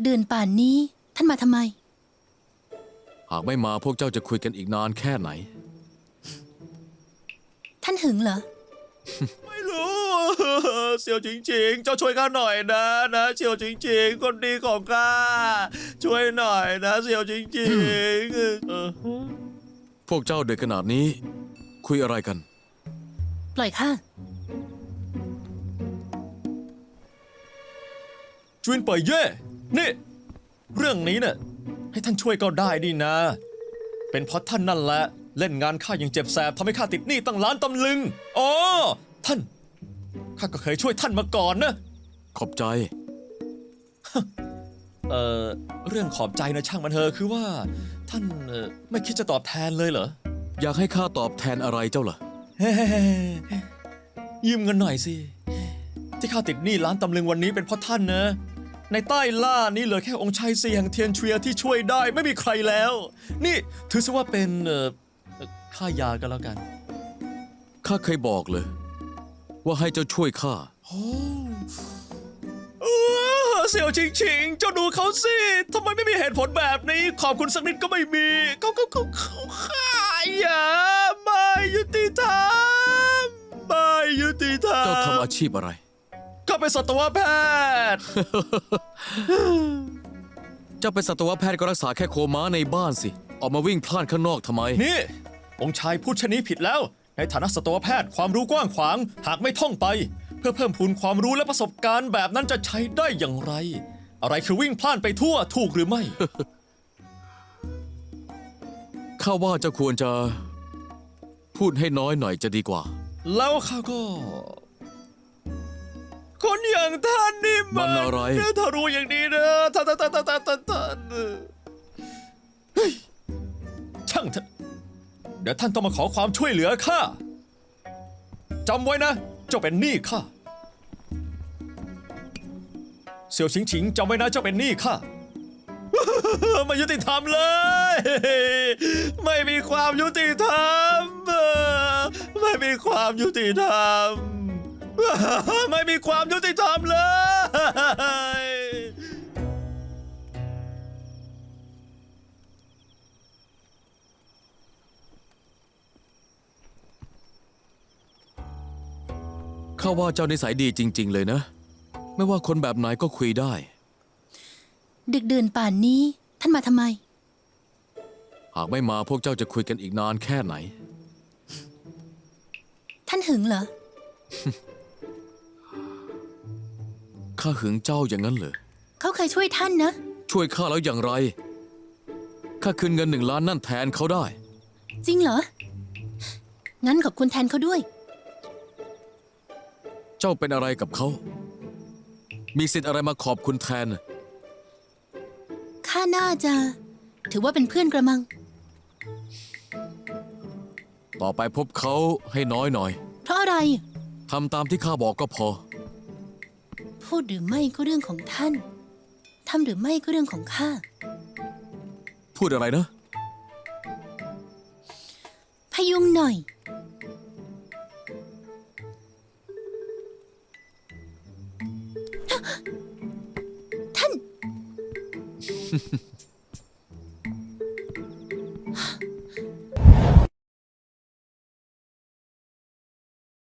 ดื่นป่านนี้ท่านมาทำไมหากไม่มาพวกเจ้าจะคุยกันอีกนานแค่ไหนท่านหึงเหรอไม่รู้ เสี่ยวจริงๆ เจ้าช่วยข้าหน่อยนะเสี่ยวจริงๆ คนดีของข้าช่วยหน่อยนะเสี่ยวจริงๆพวกเจ้าเด็กขนาดนี้ คุยอะไรกันปล่อยข้าจวนเป่ยเย่นี่เรื่องนี้เนี่ยให้ท่านช่วยก็ได้ดีนะ เป็นเพราะท่านนั่นแหละเล่นงานข้าอย่างเจ็บแสบทำให้ข้าติดหนี้ตั้งล้านตำลึงอ๋อท่านข้าก็เคยช่วยท่านมาก่อนนะขอบใจเรื่องขอบใจนะช่างมันเถอะคือว่าท่านไม่คิดจะตอบแทนเลยเหรออยากให้ข้าตอบแทนอะไรเจ้าล่ะเฮ้ยืมเงินหน่อยสิที่ข้าติดหนี้ล้านตำลึงวันนี้เป็นเพราะท่านนะในใต้ล่านี่เหลือแค่องค์ชายเซียงเทียนเชียที่ช่วยได้ไม่มีใครแล้ว นี่ถือซะว่าเป็นค่ายากันแล้วกันข้าเคยบอกเลย ว่าให้เจ้าช่วยข้าโอ้เสี่ยวชิงเจ้าดูเขาสิทำไมไม่มีเหตุผลแบบนี้ ขอบคุณสักนิดก็ไม่มีเขาขายอย่าไม่ยุติธรรมไม่ยุติธรรมเจ้าทำอาชีพอะไรก็เป็นสัตวแพทย์เจ้าเป็นสัตวแพทย์ก็รักษาแค่โคม้าในบ้านสิ ออกมาวิ่งพล่านข้างนอกทำไมนี่ องค์ชายพูดชนี้ผิดแล้ว ในฐานะสัตวแพทย์ความรู้กว้างขวาง หากไม่ท่องไป เพื่อเพิ่มพูนความรู้และประสบการณ์แบบนั้นจะใช้ได้อย่างไร อะไรคือวิ่งพล่านไปทั่วถูกหรือไม่ข้าว่าเจ้าควรจะ พูดให้น้อยหน่อยจะดีกว่าแล้วข้าก็ คนอย่างท่านนี่มันอะไรถ้ารู้อย่างนี้นะท่านเฮ้ยช่างเถอะเดี๋ยวท่านต้องมาขอความช่วยเหลือข้าจำไว้นะเจ้าเป็นหนี้ข้าเสี่ยวชิงจำไว้นะเจ้าเป็นหนี้ข้า ไม่ยุติธรรมเลย ไม่มีความยุติธรรม ไม่มีความยุติธรรม ไม่มีความยุติธรรมเลยข้าว่าเจ้านิสัยดีจริง ๆ เลยนะ ไม่ว่าคนแบบไหนก็คุยได้ดึกดื่นป่านนี้ท่านมาทำไมหากไม่มาพวกเจ้าจะคุยกันอีกนานแค่ไหนท่านหึงเหรอข้าหึงเจ้าอย่างนั้นเหรอเขาเคยช่วยท่านนะช่วยข้าแล้วอย่างไร ข้าคืนเงิน1 ล้านนั่นแทนเขาได้จริงเหรอ งั้นขอบคุณแทนเขาด้วยเจ้าเป็นอะไรกับเขา มีสิทธิ์อะไรมาขอบคุณแทนข้าน่าจะ ถือว่าเป็นเพื่อนกระมังต่อไปพบเขาให้น้อยหน่อยเพราะอะไรทำตามที่ข้าบอกก็พอพูดหรือไม่ก็เรื่องของท่าน ทำหรือไม่ก็เรื่องของข้าพูดอะไรนะพยุงหน่อย ท่าน